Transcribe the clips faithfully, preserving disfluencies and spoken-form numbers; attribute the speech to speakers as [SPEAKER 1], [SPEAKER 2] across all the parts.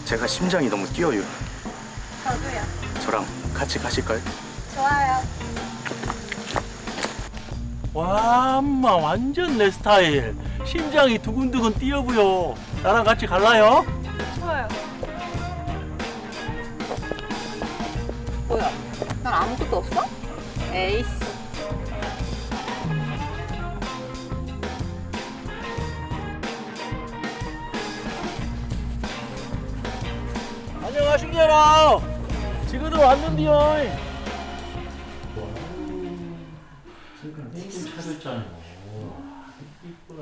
[SPEAKER 1] 제가 심장이 너무 뛰어요.
[SPEAKER 2] 저도요.
[SPEAKER 1] 저랑 같이 가실까요?
[SPEAKER 2] 좋아요.
[SPEAKER 3] 와, 엄마 완전 내 스타일. 심장이 두근두근 뛰어부요. 나랑 같이 갈라요?
[SPEAKER 2] 좋아요. 뭐야? 난 아무것도 없어? 에이씨.
[SPEAKER 3] 안녕하십니까. 지금도 왔는데요. 예쁜 차렸잖아요. 이쁘다.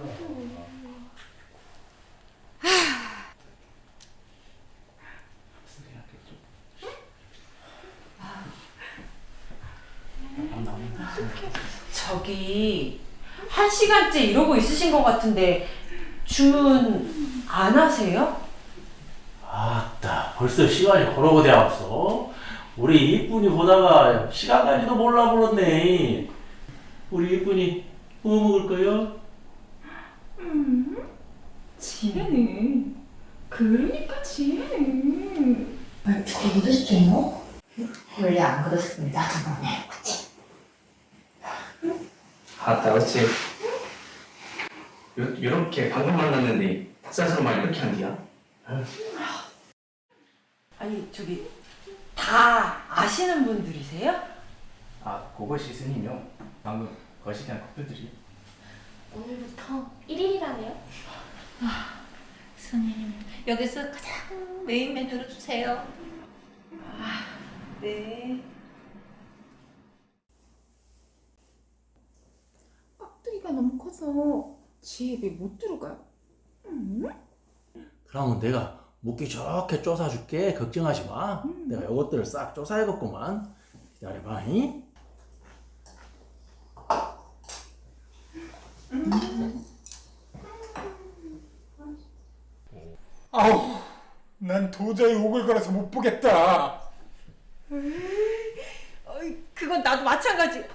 [SPEAKER 4] 저기 한 시간째 이러고 있으신 것 같은데 주문 안 하세요?
[SPEAKER 3] 아따, 벌써 시간이 걸어고 되었어. 우리 이쁜이 보다가 시간 가지도 몰라 버렸네. 우리 이쁜이 뭐 먹을 거요?
[SPEAKER 4] 지혜는 그러니까 지혜는
[SPEAKER 5] 말투가 묻었어요? 원래 안 그렇습니다. 네, 그치?
[SPEAKER 6] 아따 어찌 요, 요렇게 방금 만났는데 닭살스러운 말 이렇게 한디야?
[SPEAKER 4] 아니 저기 다 아시는 분들이세요?
[SPEAKER 6] 아 그것이 스님이요. 방금 거시기한 커플들이.
[SPEAKER 7] 오늘부터 일 일이라네요. 스님, 여기서 가장 메인 메뉴로 주세요.
[SPEAKER 4] 네.
[SPEAKER 8] 깍두기가 너무 커서 지혜 입에 못 들어가요.
[SPEAKER 3] 그러면 내가 먹기 좋게 쪼사줄게. 걱정하지 마. 내가 요것들을 싹 쪼사야겠구만. 기다려봐. 잉?
[SPEAKER 9] 아우, 난 도저히 오글거려서 못 보겠다.
[SPEAKER 4] 어이, 그건 나도 마찬가지.